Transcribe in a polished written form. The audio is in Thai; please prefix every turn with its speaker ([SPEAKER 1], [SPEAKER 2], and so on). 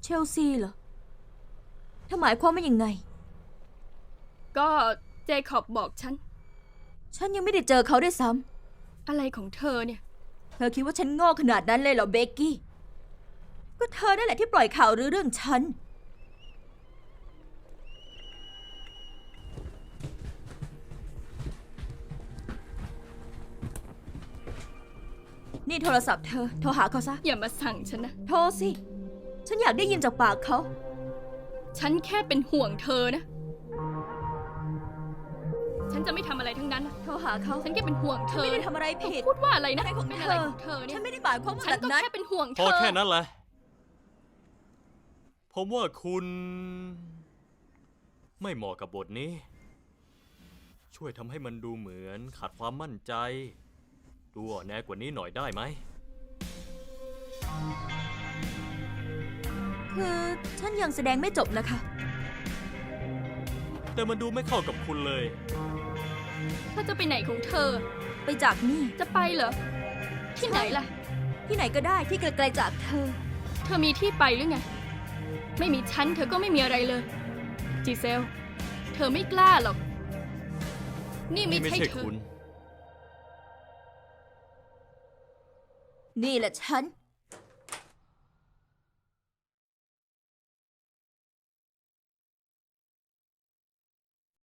[SPEAKER 1] เชลซีเหรอเธอหมายความว่ายังไง
[SPEAKER 2] ก็เจคอบบอก
[SPEAKER 1] ฉันยังไม่ได้เจอเขาด้วยซ้
[SPEAKER 2] อะไรของเธอเนี่ย
[SPEAKER 1] ำเธอคิดว่าฉันโง่ขนาดนั้นเลยเหรอเบกกี้ก็เธอนั่นแหละที่ปล่อยข่าวลือเรื่องฉันนี่โทรศัพท์เธอโทรหาเขาซะ
[SPEAKER 2] อย่ามาสั่งฉันนะ
[SPEAKER 1] โทรสิ ฉันอยากได้ยินจากปากเขา
[SPEAKER 2] ฉันแค่เป็นห่วงเธอนะ ฉันจะไม่ทำอะไรทั้งนั้น
[SPEAKER 1] โทรหาเขา
[SPEAKER 2] ฉันแค่เป็นห่วงเธอ
[SPEAKER 1] ไม่ได้ทำอะไรผิด
[SPEAKER 2] พูดว่าอะไรนะ
[SPEAKER 1] อะไรของ
[SPEAKER 2] เป็น
[SPEAKER 1] เธ
[SPEAKER 2] อะไร
[SPEAKER 1] อ
[SPEAKER 2] ของเธอเนี่ย
[SPEAKER 1] ฉันไม่ได้หมายความว่า
[SPEAKER 2] ฉั
[SPEAKER 1] แบ
[SPEAKER 2] น
[SPEAKER 1] บ
[SPEAKER 2] ก็
[SPEAKER 1] นั้น
[SPEAKER 2] แค่เป็นห่วงเธ
[SPEAKER 3] พอ
[SPEAKER 2] อ
[SPEAKER 3] แค่นั้นแหละ ผมว่าคุณไม่เหมาะกับบทนี้ ช่วยทำให้มันดูเหมือนขาดความมั่นใจ ดูอ่อนแอกว่านี้หน่อยได้ไหม
[SPEAKER 1] คือฉันยังแสดงไม่จบนะคะ
[SPEAKER 3] แต่มันดูไม่เข้ากับคุณเลย
[SPEAKER 2] ถ้าจะไปไหนของเธอ
[SPEAKER 1] ไปจากนี่
[SPEAKER 2] จะไปเหรอ ที่ไหนล่ะ
[SPEAKER 1] ที่ไหนก็ได้ที่ไกลๆจากเธอ
[SPEAKER 2] เธอมีที่ไปหรือไง ไม่มีฉันเธอก็ไม่มีอะไรเลย จีเซล เธอไม่กล้าหรอก นี่ไม่
[SPEAKER 3] นี่ไม่
[SPEAKER 2] ใช่
[SPEAKER 3] ใช่
[SPEAKER 2] เธอ
[SPEAKER 3] คุณ
[SPEAKER 1] นี่แหละฉัน